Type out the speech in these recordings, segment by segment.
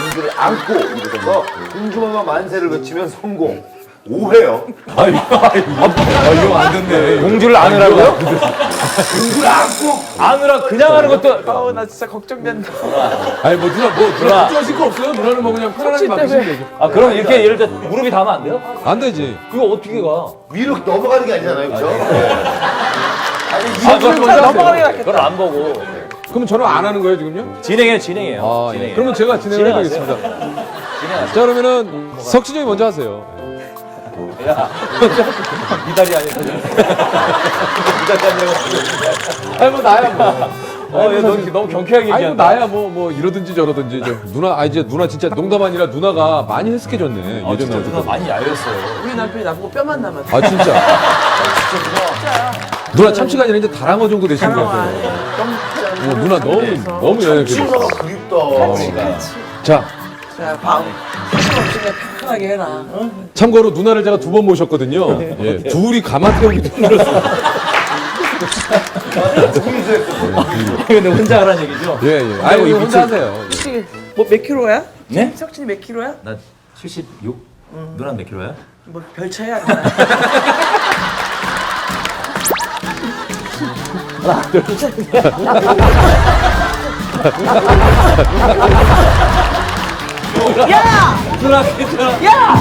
공주를 안고 일어서서 공주마마 만세를 외치면 성공. 5회요. 이거 안 됐네. 공주를 안으라고요? 공주를 안고 안으라 그냥 하는 것도. 아우 나 진짜 걱정된다. 아니 누나 걱정하실 거 없어요? 누나는 뭐 그냥 편안하게 맡기시면 되죠. 아 그럼 이렇게 예를 들어 무릎이 닿으면 안 돼요? 안 되지. 그거 어떻게 가? 위로 넘어가는 게 아니잖아요, 그렇죠? 그걸 진짜 넘어가는 게 낫겠다. 그걸 안 보고 그럼 저는 안 하는 거예요 지금요? 진행해요. 아, 진행해요. 그러면 제가 진행을 진행하세요. 해보겠습니다. 자 그러면은 석진이 형이 먼저 하세요. 야, 이 다리 아니야. 이 다리 아니라고. 아니 뭐 나야 뭐. 너무 경쾌하게 아니 뭐 얘기한다. 나야 뭐 이러든지 저러든지 좀 누나 이제 누나 진짜 농담 아니라 누나가 많이 헬스케졌네 진짜 예전에. 누나 많이 야였어요. 우리 남편이 나보고 뼈만 남았어. 아 진짜. 누나 참치가 아니라 이제 다랑어 정도 되시는 것 같아요. 누나 너무 연약해. 친구가 그립다. 자 자, 방. 힘없이 그냥 편하게 해라. 응? 참고로 누나를 제가 2번 모셨거든요. 예, 둘이 가마 태우기 힘들었어요. 근데 혼자 하라는 얘기죠? 예. 아이고 이거 혼자 하세요. 혹시 뭐몇 킬로야? 네? 석진이 몇 킬로야? 나 76? 누나 몇 킬로야? 뭐 별 차이 안 나. 야! 누나 괜찮아. 야!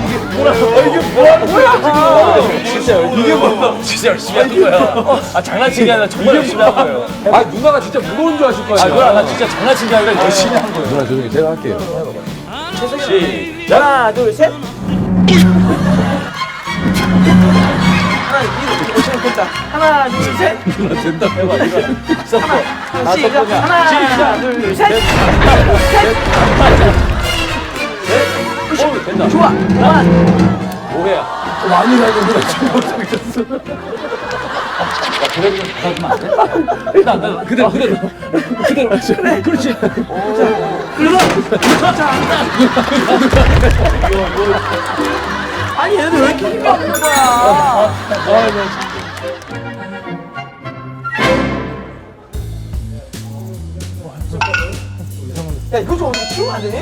이게 뭐야? 진짜 열심히 하는 거야. 아 장난치기 아니라 정말 열심히 한 거예요. 아 누나가 진짜 무거운 줄 아실 거 아 아니야. 누나 나 진짜 장난친 게 아니라 열심히 한 거예요. 누나 조용히 제가 할게요. 시작. 하나, 둘, 셋. 하나, 이렇게 오시면 된다. 하나, 둘, 셋. 누나 된다. 시작. 하나, 둘, 셋. 된다. 좋아. 그만. 5회야. 많이 나는구나 지금 못하겠어. 그래도 좀 받아주면 안 돼? 일단 나 그대로. 그래. 그렇지. 아니 얘들 왜 이렇게 힘이 없는 거야? 야 이거 좀 어떻게 키우면 안 되니?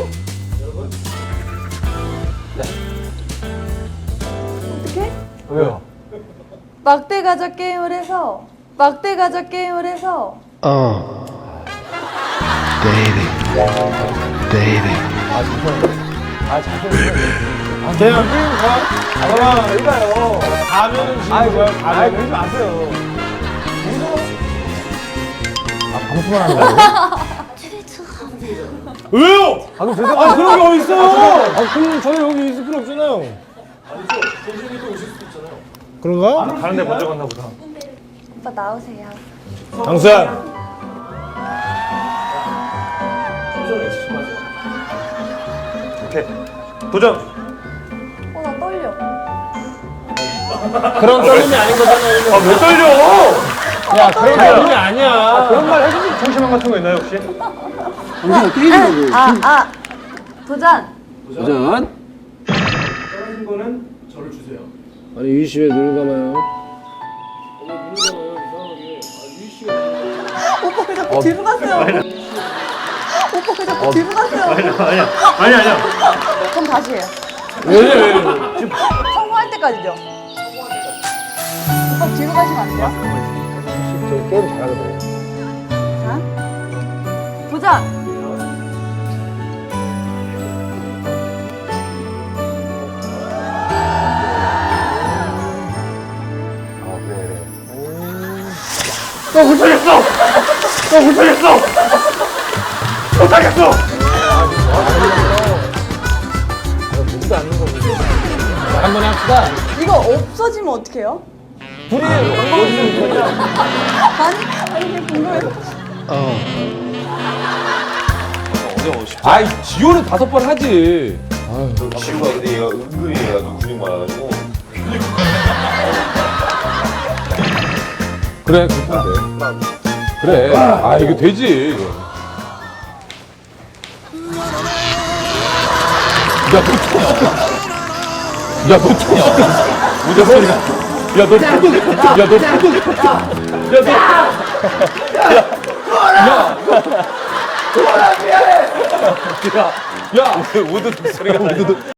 어떻게? 왜요? 막대 가자 게임을 해서 왜요? 그런 게 어딨어요? 그럼 저희 여기 있을 필요 없잖아요. 그런가? 다른 데 먼저 갔나 보다. 오빠 나오세요. 강수야. 오케이. 도전. 나 떨려. 그런 떨림이 아닌 거잖아요. 왜 떨려? 야, 그런 게 아니야. 그런 말 해주실 정신만 같은 거 있나요, 혹시? 도전. 아니, 유희 씨 왜 눈을 감아요? 오빠 왜 자꾸 뒤로 가세요? 오빠 왜 자꾸 뒤로 가세요? 아니야. 그럼 다시 해요. 왜? 성공할 때까지죠. 오빠 뒤로 가시면 안 돼요? 저 게임 잘하거든요. 자, 도전. 한번 합시다. 이거 없어지면 어떡해요? 불이 아니 그냥 궁금해서. 아이 지효는 5번 하지. 지우가 근데 얘가 은근히 얘가 근육 많아가지고. 그래 그렇게 하면 돼. 그래. 아 이거 되지. 이거. 야, 너 무슨 소리야? 야, 너 야, 우드 소리가